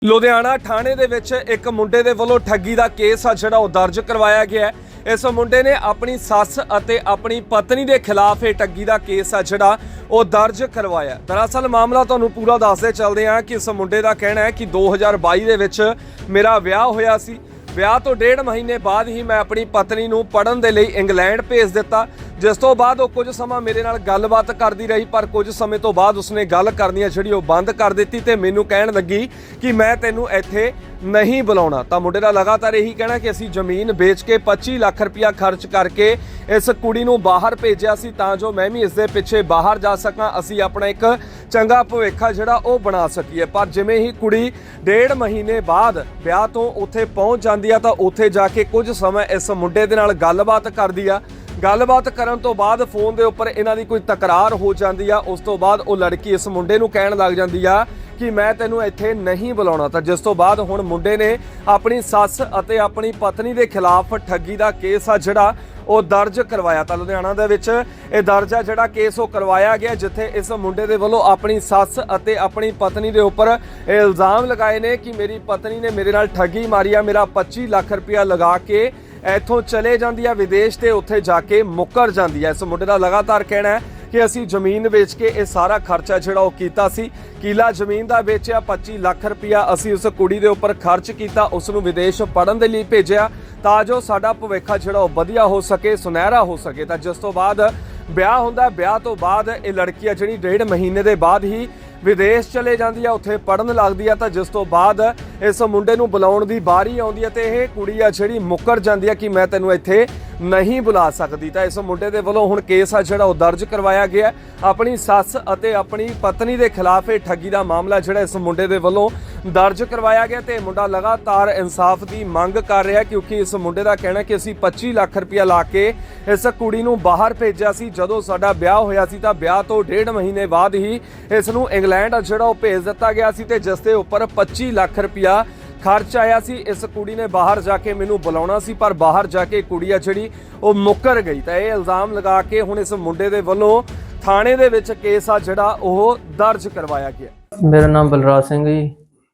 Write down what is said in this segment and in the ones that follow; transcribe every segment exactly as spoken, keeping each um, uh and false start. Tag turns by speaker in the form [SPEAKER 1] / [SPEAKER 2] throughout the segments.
[SPEAKER 1] ਲੁਧਿਆਣਾ ਥਾਣੇ ਦੇ ਵਿੱਚ ਇੱਕ ਮੁੰਡੇ ਦੇ ਵੱਲੋਂ ਠੱਗੀ ਦਾ ਕੇਸ ਆ ਜਿਹੜਾ ਉਹ ਦਰਜ ਕਰਵਾਇਆ ਗਿਆ ਹੈ। ਇਸ ਮੁੰਡੇ ਨੇ ਆਪਣੀ ਸੱਸ ਅਤੇ ਆਪਣੀ ਪਤਨੀ ਦੇ ਖਿਲਾਫ ਇਹ ਠੱਗੀ ਦਾ ਕੇਸ ਆ ਜਿਹੜਾ ਉਹ ਦਰਜ ਕਰਵਾਇਆ। ਦਰਅਸਲ ਮਾਮਲਾ ਤੁਹਾਨੂੰ ਪੂਰਾ ਦੱਸਦੇ ਚੱਲਦੇ ਹਾਂ ਕਿ ਇਸ ਮੁੰਡੇ ਦਾ ਕਹਿਣਾ ਹੈ ਕਿ ਦੋ ਹਜ਼ਾਰ ਬਾਈ ਦੇ ਵਿੱਚ ਮੇਰਾ ਵਿਆਹ ਹੋਇਆ ਸੀ। ਵਿਆਹ ਤੋਂ ਡੇਢ ਮਹੀਨੇ ਬਾਅਦ ਹੀ ਮੈਂ ਆਪਣੀ ਪਤਨੀ ਨੂੰ ਪੜ੍ਹਨ ਦੇ ਲਈ ਇੰਗਲੈਂਡ ਭੇਜ ਦਿੱਤਾ, ਜਿਸ ਤੋਂ ਬਾਅਦ ਉਹ ਕੁਝ ਸਮਾਂ ਮੇਰੇ ਨਾਲ ਗੱਲਬਾਤ ਕਰਦੀ ਰਹੀ, ਪਰ ਕੁਝ ਸਮੇਂ ਤੋਂ ਬਾਅਦ ਉਸਨੇ ਗੱਲ ਕਰਨੀ ਜਿਹੜੀ ਉਹ ਬੰਦ ਕਰ ਦਿੱਤੀ ਤੇ ਮੈਨੂੰ ਕਹਿਣ ਲੱਗੀ ਕਿ ਮੈਂ ਤੈਨੂੰ ਇੱਥੇ ਨਹੀਂ ਬੁਲਾਉਣਾ। ਤਾਂ ਮੁੰਡੇ ਦਾ ਲਗਾਤਾਰ ਇਹੀ ਕਹਿਣਾ ਕਿ ਅਸੀਂ ਜ਼ਮੀਨ ਵੇਚ ਕੇ ਪੱਚੀ ਲੱਖ ਰੁਪਇਆ ਖਰਚ ਕਰਕੇ ਇਸ ਕੁੜੀ ਨੂੰ ਬਾਹਰ ਭੇਜਿਆ ਸੀ ਤਾਂ ਜੋ ਮੈਂ ਵੀ ਇਸ ਦੇ ਪਿੱਛੇ ਬਾਹਰ ਜਾ ਸਕਾਂ, ਅਸੀਂ ਆਪਣਾ ਇੱਕ ਚੰਗਾ ਭਵਿੱਖ ਜਿਹੜਾ ਉਹ ਬਣਾ ਸਕੀਏ। ਪਰ ਜਿਵੇਂ ਹੀ ਕੁੜੀ ਡੇਢ ਮਹੀਨੇ ਬਾਅਦ ਵਿਆਹ ਤੋਂ ਉੱਥੇ ਪਹੁੰਚ ਜਾਂਦੀ ਆ ਤਾਂ ਉੱਥੇ ਜਾ ਕੇ ਕੁਝ ਸਮਾਂ ਇਸ ਮੁੰਡੇ ਦੇ ਨਾਲ ਗੱਲਬਾਤ ਕਰਦੀ ਆ। ਗੱਲਬਾਤ ਕਰਨ ਤੋਂ ਬਾਅਦ ਫੋਨ ਦੇ ਉੱਪਰ ਇਹਨਾਂ ਦੀ ਕੋਈ ਤਕਰਾਰ ਹੋ ਜਾਂਦੀ ਆ। ਉਸ ਤੋਂ ਬਾਅਦ ਉਹ ਲੜਕੀ ਇਸ ਮੁੰਡੇ ਨੂੰ ਕਹਿਣ ਲੱਗ ਜਾਂਦੀ ਆ ਕਿ ਮੈਂ ਤੈਨੂੰ ਇੱਥੇ ਨਹੀਂ ਬੁਲਾਉਣਾ। ਤਾਂ ਜਿਸ ਤੋਂ ਬਾਅਦ ਹੁਣ ਮੁੰਡੇ ਨੇ ਆਪਣੀ ਸੱਸ ਅਤੇ ਆਪਣੀ ਪਤਨੀ ਦੇ ਖਿਲਾਫ ਠੱਗੀ ਦਾ ਕੇਸ ਆ ਜਿਹੜਾ ਉਹ ਦਰਜ ਕਰਵਾਇਆ। ਤਾਂ ਲੁਧਿਆਣਾ ਦੇ ਵਿੱਚ ਇਹ ਦਰਜ ਆ ਜਿਹੜਾ ਕੇਸ ਉਹ ਕਰਵਾਇਆ ਗਿਆ, ਜਿੱਥੇ ਇਸ ਮੁੰਡੇ ਦੇ ਵੱਲੋਂ ਆਪਣੀ ਸੱਸ ਅਤੇ ਆਪਣੀ ਪਤਨੀ ਦੇ ਉੱਪਰ ਇਹ ਇਲਜ਼ਾਮ ਲਗਾਏ ਨੇ ਕਿ ਮੇਰੀ ਪਤਨੀ ਨੇ ਮੇਰੇ ਨਾਲ ਠੱਗੀ ਮਾਰੀ ਆ, ਮੇਰਾ ਪੱਚੀ ਲੱਖ ਰੁਪਇਆ ਲਗਾ ਕੇ ਇੱਥੋਂ ਚਲੇ ਜਾਂਦੀ ਆ ਵਿਦੇਸ਼ ਤੇ ਉੱਥੇ ਜਾ ਕੇ ਮੁੱਕਰ ਜਾਂਦੀ ਹੈ। ਇਸ ਮੁੰਡੇ ਦਾ ਲਗਾਤਾਰ ਕਹਿਣਾ ਹੈ ਕਿ ਅਸੀਂ ਜ਼ਮੀਨ ਵੇਚ ਕੇ ਇਹ ਸਾਰਾ ਖਰਚਾ ਜਿਹੜਾ ਉਹ ਕੀਤਾ ਸੀ, ਕਿਲਾ ਜ਼ਮੀਨ ਦਾ ਵੇਚਿਆ, ਪੱਚੀ ਲੱਖ ਰੁਪਇਆ ਅਸੀਂ ਉਸ ਕੁੜੀ ਦੇ ਉੱਪਰ ਖਰਚ ਕੀਤਾ, ਉਸ ਨੂੰ ਵਿਦੇਸ਼ ਪੜ੍ਹਨ ਦੇ ਲਈ ਭੇਜਿਆ ਤਾਂ ਜੋ ਸਾਡਾ ਭਵਿੱਖ ਜਿਹੜਾ ਉਹ ਵਧੀਆ ਹੋ ਸਕੇ, ਸੁਨਹਿਰਾ ਹੋ ਸਕੇ। ਤਾਂ ਜਿਸ ਤੋਂ ਬਾਅਦ ਵਿਆਹ ਹੁੰਦਾ, ਵਿਆਹ ਤੋਂ ਬਾਅਦ ਇਹ ਲੜਕੀ ਆ ਜਿਹੜੀ ਡੇਢ ਮਹੀਨੇ ਦੇ ਬਾਅਦ ਹੀ ਵਿਦੇਸ਼ ਚਲੇ ਜਾਂਦੀ ਆ, ਉੱਥੇ ਪੜ੍ਹਨ ਲੱਗਦੀ ਆ। ਤਾਂ ਜਿਸ ਤੋਂ ਬਾਅਦ ਇਸ ਮੁੰਡੇ ਨੂੰ ਬੁਲਾਉਣ ਦੀ ਵਾਰੀ ਆਉਂਦੀ ਹੈ ਤੇ ਇਹ ਕੁੜੀ ਆ ਜਿਹੜੀ ਮੁੱਕਰ ਜਾਂਦੀ ਆ ਕਿ ਮੈਂ ਤੈਨੂੰ ਇੱਥੇ ਨਹੀਂ ਬੁਲਾ ਸਕਦੀ। ਤਾਂ ਇਸ ਮੁੰਡੇ ਦੇ ਵੱਲੋਂ ਹੁਣ ਕੇਸ ਆ ਜਿਹੜਾ ਉਹ ਦਰਜ ਕਰਵਾਇਆ ਗਿਆ ਆਪਣੀ ਸੱਸ ਅਤੇ ਆਪਣੀ ਪਤਨੀ ਦੇ ਖਿਲਾਫ। ਇਹ ਠੱਗੀ ਦਾ ਮਾਮਲਾ ਜਿਹੜਾ ਇਸ ਮੁੰਡੇ ਦੇ ਵੱਲੋਂ ਦਰਜ ਕਰਵਾਇਆ ਗਿਆ ਤੇ ਮੁੰਡਾ ਲਗਾਤਾਰ ਇਨਸਾਫ ਦੀ ਮੰਗ ਕਰ ਰਿਹਾ, ਕਿਉਂਕਿ ਇਸ ਮੁੰਡੇ ਦਾ ਕਹਿਣਾ ਕਿ ਅਸੀਂ ਪੱਚੀ ਲੱਖ ਰੁਪਇਆ ਲਾ ਕੇ ਇਸ ਕੁੜੀ ਨੂੰ ਬਾਹਰ ਭੇਜਿਆ ਸੀ। ਜਦੋਂ ਸਾਡਾ ਵਿਆਹ ਹੋਇਆ ਸੀ ਤਾਂ ਵਿਆਹ ਤੋਂ ਡੇਢ ਮਹੀਨੇ ਬਾਅਦ ਹੀ ਇਸ ਨੂੰ ਇੰਗਲੈਂਡ ਜਿਹੜਾ ਉਹ ਭੇਜ ਦਿੱਤਾ ਗਿਆ ਸੀ ਤੇ ਜਿਸ ਦੇ ਉੱਪਰ ਪੱਚੀ ਲੱਖ ਰੁਪਇਆ ਖਰਚ ਆਇਆ ਸੀ। ਇਸ ਕੁੜੀ ਨੇ ਬਾਹਰ ਜਾ ਕੇ ਮੈਨੂੰ ਬੁਲਾਉਣਾ ਸੀ, ਪਰ ਬਾਹਰ ਜਾ ਕੇ ਕੁੜੀ ਆ ਜਿਹੜੀ ਉਹ ਮੁੱਕਰ ਗਈ। ਤਾਂ ਇਹ ਇਲਜ਼ਾਮ ਲਗਾ ਕੇ ਹੁਣ ਇਸ ਮੁੰਡੇ ਦੇ ਵੱਲੋਂ ਥਾਣੇ ਦੇ ਵਿੱਚ ਕੇਸ ਆ ਜਿਹੜਾ ਉਹ ਦਰਜ ਕਰਵਾਇਆ ਗਿਆ।
[SPEAKER 2] ਮੇਰਾ ਨਾਮ ਬਲਰਾਜ ਸਿੰਘ ਜੀ।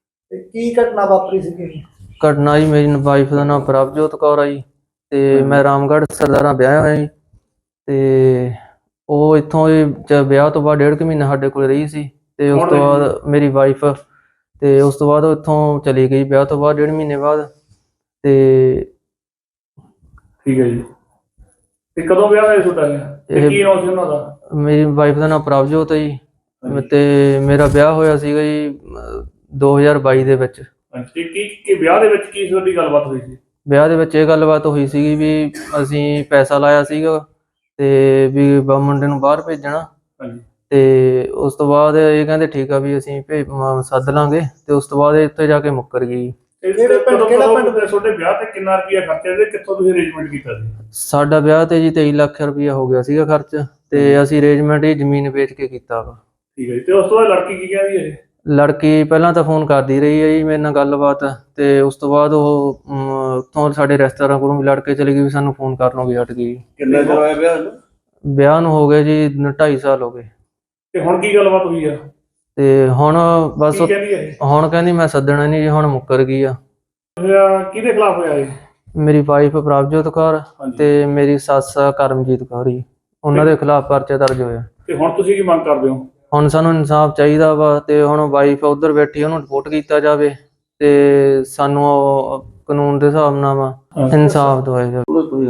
[SPEAKER 3] ਕੀ ਘਟਨਾ ਵਾਪਰੀ ਸੀ?
[SPEAKER 2] ਘਟਨਾ ਜੀ, ਮੇਰੀ ਵਾਈਫ ਦਾ ਨਾਮ ਪ੍ਰਭਜੋਤ ਕੌਰ ਆ ਜੀ ਤੇ ਮੈਂ ਰਾਮਗੜ੍ਹ ਸਰਦਾਰਾਂ ਵਿਆਹਿਆ ਹੋਇਆ ਜੀ ਤੇ ਉਹ ਇੱਥੋਂ ਵਿਆਹ ਤੋਂ ਬਾਅਦ ਡੇਢ ਕੁ ਮਹੀਨਾ ਸਾਡੇ ਕੋਲ ਰਹੀ ਸੀ ਤੇ ਉਸ ਤੋਂ ਬਾਅਦ ਮੇਰੀ ਵਾਈਫ ਤੇ ਉਸ ਤੋਂ ਬਾਅਦ ਉਹ ਇੱਥੋਂ ਚਲੀ ਗਈ ਵਿਆਹ ਤੋਂ ਬਾਅਦ ਡੇਢ ਮਹੀਨੇ ਬਾਅਦ। ਤੇ
[SPEAKER 3] ਠੀਕ ਹੈ ਜੀ। ਤੇ ਕਦੋਂ ਵਿਆਹ ਹੋਇਆ ਤੁਹਾਡਾ? ਤੇ ਕੀ ਨਾਮ ਸੀ ਉਹਨਾਂ ਦਾ?
[SPEAKER 2] ਮੇਰੀ ਵਾਈਫ ਦਾ ਨਾਮ ਪ੍ਰਭਜੋਤ ਹੈ ਜੀ ਤੇ ਮੇਰਾ ਵਿਆਹ ਹੋਇਆ ਸੀਗਾ ਜੀ ਦੋ ਹਜ਼ਾਰ ਬਾਈ ਦੇ ਵਿੱਚ।
[SPEAKER 3] ਕੀ ਕੀ ਵਿਆਹ ਦੇ ਵਿੱਚ ਕੀ ਤੁਹਾਡੀ ਗੱਲਬਾਤ ਹੋਈ ਸੀ?
[SPEAKER 2] ਵਿਆਹ ਦੇ ਵਿੱਚ ਇਹ ਗੱਲਬਾਤ ਹੋਈ ਸੀਗੀ ਵੀ ਅਸੀਂ ਪੈਸਾ ਲਾਇਆ ਸੀਗਾ ਤੇ ਵੀ ਮੁੰਡੇ ਨੂੰ ਬਾਹਰ ਭੇਜਣਾ ਤੇ ਉਸ ਤੋਂ ਬਾਅਦ ਇਹ ਕਹਿੰਦੇ ਠੀਕ ਆ ਵੀ ਅਸੀਂ ਭੇਜ ਸੱਦ ਲਾਂਗੇ ਤੇ ਉਸ ਤੋਂ ਬਾਅਦ ਇੱਥੇ ਜਾ ਕੇ ਮੁੱਕਰ ਗਈ।
[SPEAKER 3] ਕਿਹੜੇ ਪਿੰਡ ਕਿਹੜਾ ਪਿੰਡ ਦੇ ਤੁਹਾਡੇ ਵਿਆਹ ਤੇ ਕਿੰਨਾ ਰੁਪਇਆ ਖਰਚਿਆ ਤੇ ਕਿੱਥੋਂ ਤੁਸੀਂ ਅਰੇਂਜਮੈਂਟ ਕੀਤਾ ਸੀ?
[SPEAKER 2] ਸਾਡਾ ਵਿਆਹ ਤੇ ਜੀ ਤੇਈ ਲੱਖ ਰੁਪਇਆ ਹੋ ਗਿਆ ਸੀਗਾ ਖਰਚ ਤੇ ਅਸੀਂ ਅਰੇਂਜਮੈਂਟ ਹੀ ਜ਼ਮੀਨ ਵੇਚ ਕੇ ਕੀਤਾ ਵਾ।
[SPEAKER 3] ਠੀਕ ਹੈ ਜੀ। ਤੇ ਉਸ ਤੋਂ ਬਾਅਦ ਲੜਕੀ ਕੀ ਕਹਿੰਦੀ ਹੈ?
[SPEAKER 2] ਲੜਕੀ ਪਹਿਲਾਂ ਤਾਂ ਫੋਨ ਕਰਦੀ ਰਹੀ ਹੈ ਜੀ ਮੇਰੇ ਨਾਲ ਗੱਲਬਾਤ ਤੇ ਉਸ ਤੋਂ ਬਾਅਦ ਉਹ ਉੱਥੋਂ ਸਾਡੇ ਰਿਸ਼ਤੇਦਾਰਾਂ ਕੋਲੋਂ ਵੀ ਲੜ ਕੇ ਚਲੀ ਗਈ ਵੀ ਸਾਨੂੰ ਫੋਨ ਕਰਨੋਂ ਵੀ ਹਟ ਗਈ।
[SPEAKER 3] ਕਿੰਨਾ ਚਿਰ ਹੋਇਆ ਵਿਆਹ ਨੂੰ?
[SPEAKER 2] ਵਿਆਹ ਨੂੰ ਹੋ ਗਏ ਜੀ ਢਾਈ ਸਾਲ ਹੋ ਗਏ।
[SPEAKER 3] ਤੇ ਹੁਣ ਕੀ ਗੱਲਬਾਤ ਹੋਈ ਆ?
[SPEAKER 2] ਤੇ ਹੁਣ ਬਸ ਹੁਣ ਕਹਿੰਦੀ ਮੈਂ ਸੱਦਣਾ ਨਹੀਂ ਜੀ, ਹੁਣ ਮੁੱਕਰ ਗਈ ਆ।
[SPEAKER 3] ਕਿਹਦੇ ਖਿਲਾਫ ਹੋਇਆ ਇਹ?
[SPEAKER 2] ਮੇਰੀ ਵਾਈਫ ਪ੍ਰਭਜੋਤ ਕੌਰ ਤੇ ਮੇਰੀ ਸੱਸ ਕਰਮਜੀਤ ਕੌਰ ਜੀ, ਉਹਨਾਂ ਦੇ ਖਿਲਾਫ ਪਰਚਾ ਦਰਜ ਹੋਇਆ।
[SPEAKER 3] ਤੇ ਹੁਣ ਤੁਸੀਂ ਕੀ ਮੰਗ ਕਰਦੇ ਹੋ?
[SPEAKER 2] ਹੁਣ ਸਾਨੂੰ ਇਨਸਾਫ ਚਾਹੀਦਾ ਵਾ ਤੇ ਹੁਣ ਵਾਈਫ ਉਧਰ ਬੈਠੀ ਉਹਨੂੰ ਰਿਪੋਰਟ ਕੀਤਾ ਜਾਵੇ ਤੇ ਸਾਨੂੰ ਕਾਨੂੰਨ ਦੇ ਹਿਸਾਬ ਨਾਲ ਵਾ ਇਨਸਾਫ ਦਵਾਇਆ ਜਾਵੇ।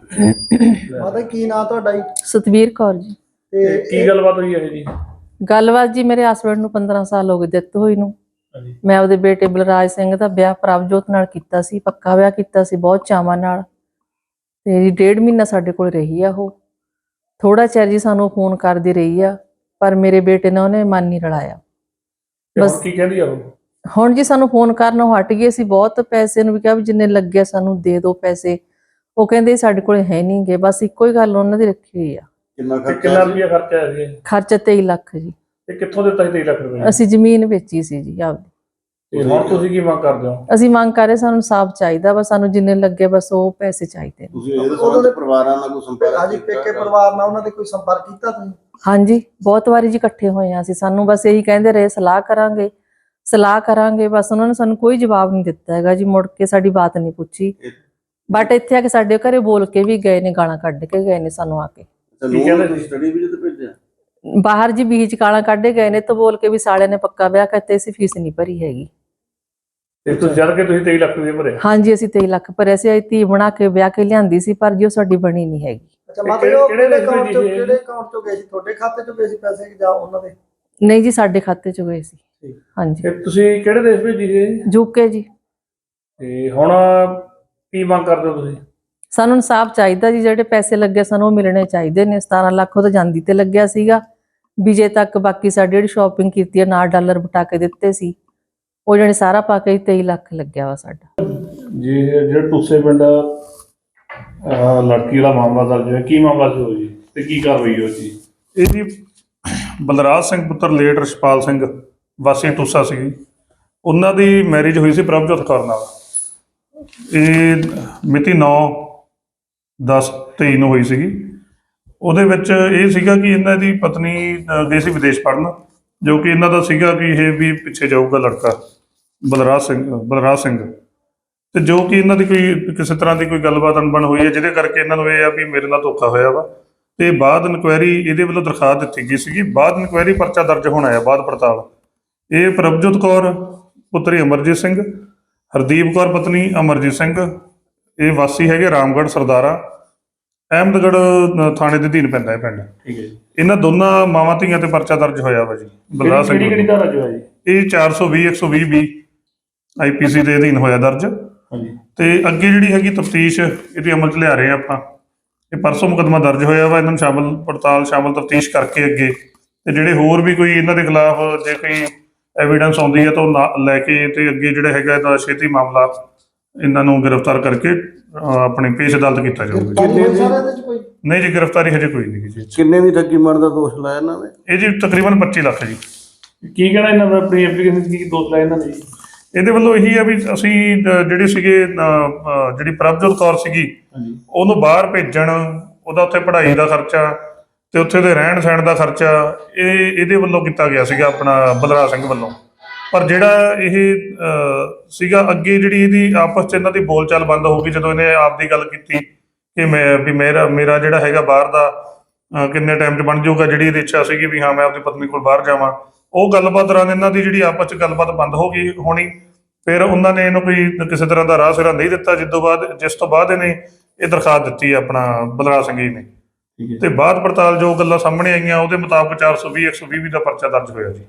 [SPEAKER 4] ਮਾਤਾ ਕੀ ਨਾਂ ਤੁਹਾਡਾ ਜੀ?
[SPEAKER 5] ਸਤਵੀਰ ਕੌਰ ਜੀ।
[SPEAKER 3] ਤੇ ਕੀ ਗੱਲਬਾਤ ਹੋਈ ਹੈ ਜੀ?
[SPEAKER 5] ਗੱਲਬਾਤ ਜੀ, ਮੇਰੇ ਹਸਬੈਂਡ ਨੂੰ ਪੰਦਰਾਂ ਸਾਲ ਹੋ ਗਏ ਦਿੱਤ ਹੋਈ ਨੂੰ। ਮੈਂ ਆਪਦੇ ਬੇਟੇ ਬਲਰਾਜ ਸਿੰਘ ਦਾ ਵਿਆਹ ਪ੍ਰਭਜੋਤ ਨਾਲ ਕੀਤਾ ਸੀ, ਪੱਕਾ ਵਿਆਹ ਕੀਤਾ ਸੀ ਬਹੁਤ ਚਾਵਾਂ ਨਾਲ ਤੇ ਜੀ ਡੇਢ ਮਹੀਨਾ ਸਾਡੇ ਕੋਲ ਰਹੀ ਆ। ਉਹ ਥੋੜਾ ਚਿਰ ਜੀ ਸਾਨੂੰ ਫੋਨ ਕਰਦੀ ਰਹੀ ਆ ਪਰ ਮੇਰੇ ਬੇਟੇ ਨੇ ਉਹਨੇ ਮਨ ਨਹੀਂ ਰਲਾਇਆ।
[SPEAKER 3] ਬਸ ਕੀ ਕਹਿੰਦੀ ਆ ਉਹ?
[SPEAKER 5] ਹੁਣ ਜੀ ਸਾਨੂੰ ਫੋਨ ਕਰਨੋਂ ਹਟ ਗਏ। ਅਸੀਂ ਬਹੁਤ ਪੈਸੇ ਨੂੰ ਵੀ ਕਿਹਾ ਵੀ ਜਿੰਨੇ ਲੱਗੇ ਸਾਨੂੰ ਦੇ ਦਿਓ ਪੈਸੇ। ਉਹ ਕਹਿੰਦੇ ਸਾਡੇ ਕੋਲ ਹੈ ਨਹੀਂ ਗੇ। ਬਸ ਇੱਕੋ ਹੀ ਗੱਲ ਉਹਨਾਂ ਦੀ ਰੱਖੀ ਹੋਈ ਆ।
[SPEAKER 3] ਕਿੰਨਾ ਕਿੰਨਾ ਰੁਪਇਆ ਖਰਚਾ ਆਇਆ ਸੀ?
[SPEAKER 5] ਖਰਚਾ ਤੇਈ ਲੱਖ ਜੀ।
[SPEAKER 3] ਤੇ ਕਿੱਥੋਂ ਦਿੱਤਾ ਸੀ ਤੇਈ ਲੱਖ ਰੁਪਏ?
[SPEAKER 5] ਅਸੀਂ ਜ਼ਮੀਨ ਵੇਚੀ ਸੀ ਜੀ ਆਪਦੀ।
[SPEAKER 3] ਤੇ ਹੁਣ ਤੁਸੀਂ ਕੀ ਮੰਗ ਕਰਦੇ ਹੋ?
[SPEAKER 5] ਅਸੀਂ ਮੰਗ ਕਰ ਰਹੇ ਸਾਨੂੰ ਇਨਸਾਫ ਚਾਹੀਦਾ ਵਾ, ਸਾਨੂੰ ਜਿੰਨੇ ਲੱਗੇ ਬਸ ਉਹ ਪੈਸੇ ਚਾਹੀਦੇ।
[SPEAKER 4] ਤੁਸੀਂ ਉਹਨਾਂ ਦੇ ਪਰਿਵਾਰਾਂ ਨਾਲ ਕੋਈ ਸੰਪਰਕ? ਹਾਂਜੀ, ਪੇਕੇ ਪਰਿਵਾਰ ਨਾਲ ਉਹਨਾਂ ਦੇ ਕੋਈ ਸੰਪਰਕ ਕੀਤਾ ਤੁਸੀਂ?
[SPEAKER 5] ਹਾਂਜੀ, ਬਹੁਤ ਵਾਰੀ ਜੀ ਇਕੱਠੇ ਹੋਏ ਆ ਅਸੀਂ। ਸਾਨੂੰ ਬਸ ਇਹੀ ਕਹਿੰਦੇ ਰਹੇ ਸਲਾਹ ਕਰਾਂਗੇ, ਸਲਾਹ ਕਰਾਂਗੇ, ਬਸ ਉਹਨਾਂ ਨੇ ਸਾਨੂੰ ਕੋਈ ਜਵਾਬ ਨਹੀਂ ਦਿੱਤਾ ਹੈਗਾ ਜੀ। ਮੁੜ ਕੇ ਸਾਡੀ ਬਾਤ ਨਹੀਂ ਪੁੱਛੀ, ਬਟ ਇੱਥੇ ਆ ਕੇ ਸਾਡੇ ਘਰੇ ਬੋਲ ਕੇ ਵੀ ਗਏ ਨੇ, ਗਾਲਾਂ ਕੱਢ ਕੇ ਗਏ ਨੇ ਸਾਨੂੰ ਆ ਕੇ।
[SPEAKER 4] ਸਟੱਡੀ ਵੀਜ਼ੇ ਤੇ ਭੇਜਿਆ
[SPEAKER 5] ਬਾਹਰ ਜੀ ਬੀਚ ਗਾਲਾਂ ਕੱਢੇ ਗਏ ਨੇ, ਤਾਂ ਬੋਲ ਕੇ ਵੀ ਸਾਲਿਆਂ ਨੇ ਪੱਕਾ ਵਿਆਹ ਕਰਤੇ, ਅਸੀਂ ਫੀਸ ਨਹੀਂ ਭਰੀ ਹੈਗੀ।
[SPEAKER 3] ਤੇ ਤੁਸੀਂ ਜਦ ਕਿ ਤੁਸੀਂ ਤੇਈ ਲੱਖ ਰੁਪਏ ਭਰੇ?
[SPEAKER 5] ਹਾਂਜੀ, ਅਸੀਂ ਤੇਈ ਲੱਖ ਭਰੇ ਸੀ। ਅਸੀਂ ਧੀ ਬਣਾ ਕੇ ਵਿਆਹ ਕੇ ਲਿਆਂਦੀ ਸੀ, ਪਰ ਜੀ ਉਹ ਸਾਡੀ ਬਣੀ ਨਹੀਂ ਹੈਗੀ।
[SPEAKER 4] ਅੱਛਾ, ਮਤਲਬ ਕਿਹੜੇ ਅਕਾਊਂਟ ਤੋਂ ਕਿਹੜੇ ਅਕਾਊਂਟ ਤੋਂ ਗਏ ਸੀ? ਤੁਹਾਡੇ ਖਾਤੇ ਤੋਂ ਗਏ ਸੀ ਪੈਸੇ ਜਾਂ ਉਹਨਾਂ ਦੇ?
[SPEAKER 5] ਨਹੀਂ ਜੀ, ਸਾਡੇ ਖਾਤੇ ਚ ਗਏ ਸੀ। ਹਾਂਜੀ।
[SPEAKER 3] ਤੇ ਤੁਸੀਂ ਕਿਹੜੇ ਦੇਸ਼ ਭੇਜੀ ਸੀ?
[SPEAKER 5] ਯੂਕੇ ਜੀ।
[SPEAKER 3] ਤੇ ਹੁਣ ਕੀ ਮੰਗ ਕਰਦੇ ਹੋ ਤੁਸੀਂ?
[SPEAKER 5] ਸਾਨੂੰ ਇਨਸਾਫ ਚਾਹੀਦਾ ਜੀ, ਜਿਹੜੇ ਪੈਸੇ ਲੱਗੇ ਸਾਨੂੰ ਉਹ ਮਿਲਣੇ ਚਾਹੀਦੇ ਨੇ। ਸਤਾਰਾਂ ਲੱਖ ਉਹ ਤਾਂ ਜਾਂਦੀ ਤੇ ਲੱਗਿਆ ਸੀਗਾ, ਵਿਜੇ ਤੱਕ। ਬਾਕੀ ਸਾਡੀ ਜਿਹੜੀ ਸ਼ਾਪਿੰਗ ਕੀਤੀ ਹੈ, ਨਾਲ ਡਾਲਰ ਬਟਾ ਕੇ ਦਿੱਤੇ ਸੀ, ਉਹ ਜਿਹੜੇ ਸਾਰਾ ਪਾ ਕੇ ਤੇਈ ਲੱਖ ਲੱਗਿਆ ਵਾ ਸਾਡਾ
[SPEAKER 3] ਜੀ। ਜਿਹੜੇ ਟੂਸੇ ਪਿੰਡ ਲੜਕੀ ਦਾ ਮਾਮਲਾ ਦਰਜ ਹੋਇਆ, ਕੀ ਮਾਮਲਾ ਸੀ ਉਹ ਜੀ ਤੇ ਕੀ ਕਾਰਵਾਈ ਹੋਈ ਜੀ?
[SPEAKER 6] ਇਹ ਜੀ ਬਲਰਾਜ ਸਿੰਘ ਪੁੱਤਰ ਲੇਟ ਰਛਪਾਲ ਸਿੰਘ ਵਾਸੀ ਟੂਸਾ ਸੀ। ਉਹਨਾਂ ਦੀ ਮੈਰਿਜ ਹੋਈ ਸੀ ਪ੍ਰਭਜੋਤ ਕੌਰ ਨਾਲ। ਇਹ ਮਿਤੀ ਨੌ ਦਸ ਤੇਈ ਨੂੰ ਹੋਈ ਸੀਗੀ। ਉਹਦੇ ਵਿੱਚ ਇਹ ਸੀਗਾ ਕਿ ਇਹਨਾਂ ਦੀ ਪਤਨੀ ਅ, ਗਈ ਸੀ ਵਿਦੇਸ਼ ਪੜ੍ਹਨ, ਜੋ ਕਿ ਇਹਨਾਂ ਦਾ ਸੀਗਾ ਕਿ ਇਹ ਵੀ ਪਿੱਛੇ ਜਾਊਗਾ ਲੜਕਾ ਬਲਰਾਜ ਸਿੰਘ ਬਲਰਾਜ ਸਿੰਘ ਤੇ ਜੋ ਕਿ ਇਹਨਾਂ ਦੀ ਕੋਈ ਕਿਸੇ ਤਰ੍ਹਾਂ ਦੀ ਕੋਈ ਗੱਲਬਾਤ ਅਣਬਣ ਹੋਈ ਹੈ, ਜਿਹਦੇ ਕਰਕੇ ਇਹਨਾਂ ਨੂੰ ਇਹ ਆ ਵੀ ਮੇਰੇ ਨਾਲ ਧੋਖਾ ਹੋਇਆ ਵਾ। ਤੇ ਬਾਅਦ ਇਨਕੁਆਇਰੀ ਇਹਦੇ ਵੱਲੋਂ ਦਰਖਾਸਤ ਦਿੱਤੀ ਗਈ ਸੀਗੀ। ਬਾਅਦ ਇਨਕੁਆਇਰੀ ਪਰਚਾ ਦਰਜ ਹੋਣਾ ਹੈ, ਬਾਅਦ ਪੜਤਾਲ। ਇਹ ਪ੍ਰਭਜੋਤ ਕੌਰ ਪੁੱਤਰੀ ਅਮਰਜੀਤ ਸਿੰਘ, ਹਰਦੀਪ ਕੌਰ ਪਤਨੀ ਅਮਰਜੀਤ ਸਿੰਘ, ਇਹ ਵਾਸੀ ਹੈਗੇ ਰਾਮਗੜ੍ਹ ਸਰਦਾਰਾ, ਅਹਿਮਦਗੜ੍ਹ ਥਾਣੇ ਦੇ ਅਧੀਨ ਪੈਂਦਾ ਹੈ ਪਿੰਡ।
[SPEAKER 3] ਠੀਕ ਹੈ ਜੀ।
[SPEAKER 6] ਇਹਨਾਂ ਦੋਨਾਂ ਮਾਵਾਂ ਧੀਆਂ ਤੇ ਪਰਚਾ ਦਰਜ ਹੋਇਆ ਵਾ ਜੀ ਬਲਰਾਜ ਸਿੰਘ
[SPEAKER 3] ਕਿਹੜੀ ਕਿਹੜੀ ਧਾਰਾ 'ਚ ਹੋਇਆ ਜੀ?
[SPEAKER 6] ਇਹ ਚਾਰ ਸੌ ਵੀਹ ਇੱਕ ਸੌ ਵੀਹ ਬੀ ਆਈ ਪੀ ਸੀ ਦੇ ਅਧੀਨ ਹੋਇਆ ਦਰਜ।
[SPEAKER 3] ਹਾਂਜੀ।
[SPEAKER 6] ਤੇ ਅੱਗੇ ਜਿਹੜੀ ਹੈਗੀ ਤਫਤੀਸ਼ ਇਹਦੇ ਅਮਲ 'ਚ ਲਿਆ ਰਹੇ ਆਪਾਂ। ਇਹ ਪਰਸੋਂ ਮੁਕੱਦਮਾ ਦਰਜ ਹੋਇਆ ਵਾ, ਇਹਨਾਂ ਨੂੰ ਸ਼ਾਮਲ ਪੜਤਾਲ ਸ਼ਾਮਲ ਤਫਤੀਸ਼ ਕਰਕੇ ਅੱਗੇ ਤੇ ਜਿਹੜੇ ਹੋਰ ਵੀ ਕੋਈ ਇਹਨਾਂ ਦੇ ਖਿਲਾਫ ਜੇ ਕੋਈ ਐਵੀਡੈਂਸ ਆਉਂਦੀ ਹੈ ਤਾਂ ਉਹ ਨਾ ਲੈ ਕੇ ਤੇ ਅੱਗੇ ਜਿਹੜਾ ਹੈਗਾ ਇਹਦਾ ਛੇਤੀ ਮਾਮਲਾ ਇਹਨਾਂ ਨੂੰ ਗ੍ਰਿਫਤਾਰ ਕਰਕੇ ਅਹ, ਆਪਣੇ ਪੇਸ਼ ਅਦਾਲਤ ਕੀਤਾ ਜਾਊਗਾ ਜੀ। ਨਹੀਂ ਜੀ, ਗ੍ਰਿਫਤਾਰੀ ਹਜੇ ਕੋਈ ਨਹੀਂ ਜੀ।
[SPEAKER 4] ਕਿੰਨੇ ਦੀ ਠੱਗੀ ਮਾਰਨ ਦਾ ਦੋਸ਼ ਲਾਇਆ ਇਹਨਾਂ ਨੇ?
[SPEAKER 6] ਇਹ ਜੀ ਤਕਰੀਬਨ ਪੱਚੀ ਲੱਖ ਜੀ।
[SPEAKER 3] ਕੀ ਕਹਿਣਾ ਇਹਨਾਂ ਦਾ ਆਪਣੀ ਐਪਲੀਕੇਸ਼ਨ 'ਚ, ਕੀ ਦੋਸ਼ ਲਾਇਆ ਇਹਨਾਂ ਨੇ ਜੀ?
[SPEAKER 6] ਇਹਦੇ ਵੱਲੋਂ ਇਹੀ ਆ ਵੀ ਅਸੀਂ ਅਹ, ਜਿਹੜੇ ਸੀਗੇ ਅਹ, ਅਹ, ਜਿਹੜੀ ਪ੍ਰਭਜੋਤ ਕੌਰ ਸੀਗੀ
[SPEAKER 3] ਹਾਂਜੀ।
[SPEAKER 6] ਉਹਨੂੰ ਬਾਹਰ ਭੇਜਣ, ਉਹਦਾ ਉੱਥੇ ਪੜ੍ਹਾਈ ਦਾ ਖਰਚਾ ਤੇ ਉੱਥੇ ਦੇ ਰਹਿਣ ਸਹਿਣ ਦਾ ਖਰਚਾ ਇਹ ਇਹਦੇ ਵੱਲੋਂ ਕੀਤਾ ਗਿਆ ਸੀਗਾ, ਆਪਣਾ ਬਲਰਾਜ ਸਿੰਘ ਵੱਲੋਂ। ਪਰ ਜਿਹੜਾ ਇਹ ਅਹ, ਸੀਗਾ ਅੱਗੇ ਜਿਹੜੀ ਇਹਦੀ ਆਪਸ 'ਚ ਇਹਨਾਂ ਦੀ ਬੋਲਚਾਲ ਬੰਦ ਹੋ ਗਈ ਜਦੋਂ ਇਹਨੇ ਆਪ ਦੀ ਗੱਲ ਕੀਤੀ ਕਿ ਮੈਂ ਵੀ ਮੇਰਾ ਮੇਰਾ ਜਿਹੜਾ ਹੈਗਾ ਬਾਹਰ ਦਾ ਅਹ, ਕਿੰਨੇ ਟਾਈਮ 'ਚ ਬਣ ਜਾਊਗਾ। ਜਿਹੜੀ ਇਹਦੀ ਇੱਛਾ ਸੀਗੀ ਵੀ ਹਾਂ ਮੈਂ ਆਪਣੀ ਪਤਨੀ ਕੋਲ ਬਾਹਰ ਜਾਵਾਂ, ਉਹ ਗੱਲਬਾਤ ਦੌਰਾਨ ਇਹਨਾਂ ਦੀ ਜਿਹੜੀ ਆਪਸ 'ਚ ਗੱਲਬਾਤ ਬੰਦ ਹੋ ਗਈ ਹੋਣੀ। ਫਿਰ ਉਹਨਾਂ ਨੇ ਇਹਨੂੰ ਕੋਈ ਕਿਸੇ ਤਰ੍ਹਾਂ ਦਾ ਰਾਹ ਸਿਰਾ ਨਹੀਂ ਦਿੱਤਾ, ਜਿਸ ਤੋਂ ਬਾਅਦ ਜਿਸ ਤੋਂ ਬਾਅਦ ਇਹਨੇ ਇਹ ਦਰਖਾਸਤ ਦਿੱਤੀ ਆਪਣਾ ਬਲਰਾਜ ਸਿੰਘ ਜੀ ਨੇ। ਤੇ ਬਾਅਦ ਪੜਤਾਲ ਜੋ ਗੱਲਾਂ ਸਾਹਮਣੇ ਆਈਆਂ ਉਹਦੇ ਮੁਤਾਬਕ ਚਾਰ ਸੌ ਵੀਹ ਇੱਕ ਸੌ ਵੀਹ ਦਾ ਪਰਚਾ ਦਰਜ ਹੋਇਆ ਜੀ।